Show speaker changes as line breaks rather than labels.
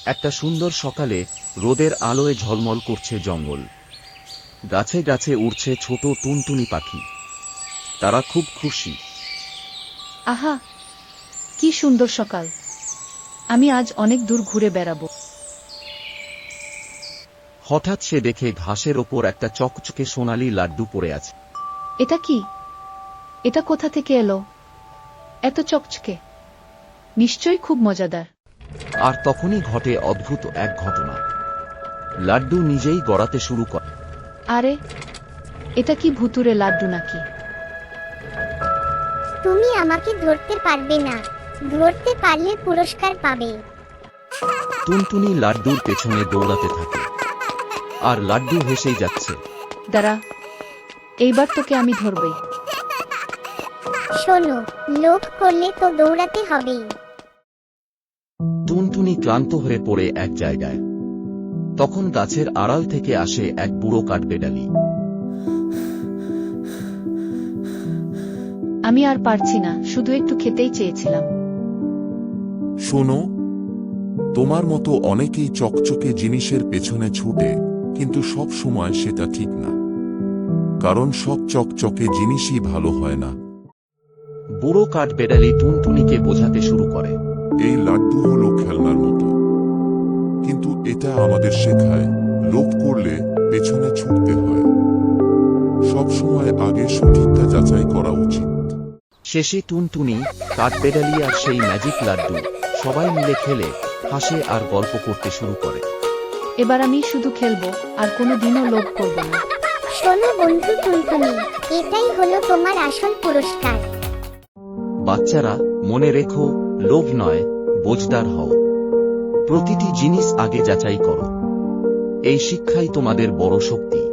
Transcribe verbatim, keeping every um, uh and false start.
একটা সুন্দর সকালে রোদের আলোয় ঝলমল করছে জঙ্গল। গাছে গাছে উড়ছে ছোট টুনটুনি পাখি। তারা খুব খুশি।
আহা, কি সুন্দর সকাল! আমি আজ অনেক দূর ঘুরে বেড়াবো।
হঠাৎ সে দেখে ঘাসের ওপর একটা চকচকে সোনালী লাড্ডু পড়ে আছে।
এটা কি? এটা কোথা থেকে এলো? এত চকচকে, নিশ্চয়ই খুব মজাদার।
আর তখনই ঘটে অদ্ভুত এক ঘটনা। লাড্ডু নিজেই গড়াতে শুরু করে।
আরে, এটা কি ভুতুরে লাড্ডু নাকি?
তুমি আমাকে ধরতে পারবে না, ধরতে পারলে পুরস্কার পাবে।
টুনটুনি লাড্ডুর পেছনে দৌড়াতে থাকে, আর লাড্ডু হেসেই যাচ্ছে।
দাঁড়া, এইবার তোকে আমি ধরবই।
শোনো, লোভ করলে তো দৌড়াতে হবেই।
টুনটুনি ক্লান্ত হয়ে পড়ে এক জায়গায়। তখন গাছের আড়াল থেকে আসে এক বুড়ো কাঠবেড়ালি।
আমি আর পারছি না, শুধু একটু খেতেই চেয়েছিলাম।
শোনো, তোমার মতো অনেকেই চকচকে জিনিসের পেছনে ছুটে, কিন্তু সব সময় সেটা ঠিক না, কারণ সব চকচকে জিনিসই ভালো হয় না।
বুড়ো কাঠবেড়ালি টুনটুনিকে বোঝাতে শুরু করে।
এই লাড্ডু হলো খেলনার মতো, কিন্তু এটা আমাদের শেখায় লোভ করলে পেছনে ছুটতে হয়। সব সময় আগে সঠিকটা যাচাই করা উচিত।
শেষে টুনটুনি, কাঠবেড়ালি আর সেই ম্যাজিক লাড্ডু সবাই মিলে খেলে, হাসে আর গল্প করতে শুরু করে।
এবার আমি শুধু খেলবো, আর কোনো দিনও লোভ করব না।
শোনো বন্ধু টুনটুনি, এটাই হলো তোমার আসল পুরস্কার।
বাচ্চারা, মনে রেখো, লোভ নয়, বোঝদার হও। প্রতিটি জিনিস আগে যাচাই করো। এই শিক্ষাই তোমাদের বড় শক্তি।